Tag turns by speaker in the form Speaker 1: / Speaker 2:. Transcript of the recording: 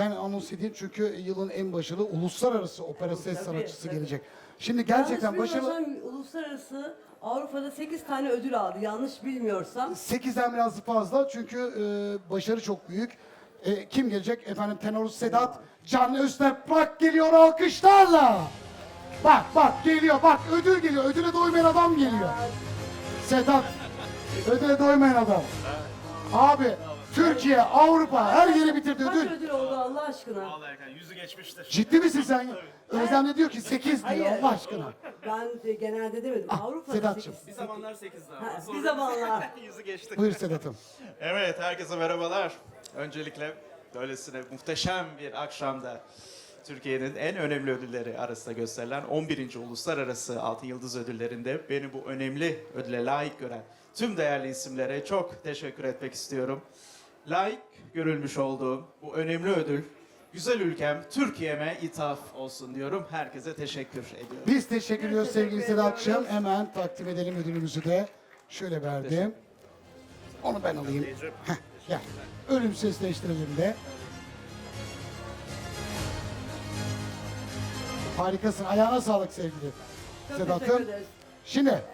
Speaker 1: hemen anons edeyim çünkü yılın en başarılı uluslararası opera ses
Speaker 2: Tabii,
Speaker 1: sanatçısı
Speaker 2: tabii.
Speaker 1: gelecek. Şimdi gerçekten
Speaker 2: Yanlış
Speaker 1: başarılı.
Speaker 2: bilmiyorsam uluslararası Avrupa'da 8 tane ödül aldı. Yanlış bilmiyorsam.
Speaker 1: 8'den biraz fazla çünkü başarı çok büyük. Kim gelecek? Efendim tenor Sedat Can Öztürk geliyor alkışlarla. Bak bak geliyor bak ödül geliyor. Ödüle doymayan adam geliyor. Sedat ödüle doymayan adam. Abi Türkiye, Avrupa her yeri bitirdi
Speaker 2: Kaç
Speaker 1: ödül.
Speaker 2: ödül oldu Allah aşkına?
Speaker 3: Vallahi Erkan yüzü geçmiştir.
Speaker 1: Ciddi misin sen? Özlem de diyor ki 8 diyor
Speaker 2: Hayır.
Speaker 1: Allah aşkına.
Speaker 2: Ben de genelde demedim. Avrupa'da
Speaker 1: Sedat'cığım.
Speaker 2: 8.
Speaker 3: Bir zamanlar 8'di
Speaker 2: Ha,
Speaker 3: ama
Speaker 2: bir zamanlar.
Speaker 3: yüzü geçti.
Speaker 1: Buyur Sedat'ım.
Speaker 3: Evet, herkese merhabalar. Öncelikle böylesine muhteşem bir akşamda Türkiye'nin en önemli ödülleri arasında gösterilen 11. Uluslararası Altın Yıldız Ödülleri'nde beni bu önemli ödüle layık gören tüm değerli isimlere çok teşekkür etmek istiyorum. Layık görülmüş olduğum bu önemli ödül güzel ülkem Türkiye'me ithaf olsun diyorum. Herkese teşekkür ediyorum.
Speaker 1: Biz teşekkür ediyoruz sevgili
Speaker 2: teşekkür
Speaker 1: Sedat'cığım.
Speaker 2: ediyoruz.
Speaker 1: Hemen takdim edelim ödülümüzü de. Şöyle verdim. Onu ben alayım. Heh, gel. Ölüm sesleştirelim de. Harikasın. Ayağına sağlık sevgili
Speaker 2: Çok
Speaker 1: Sedat'ım.
Speaker 2: teşekkür ederiz.
Speaker 1: Şimdi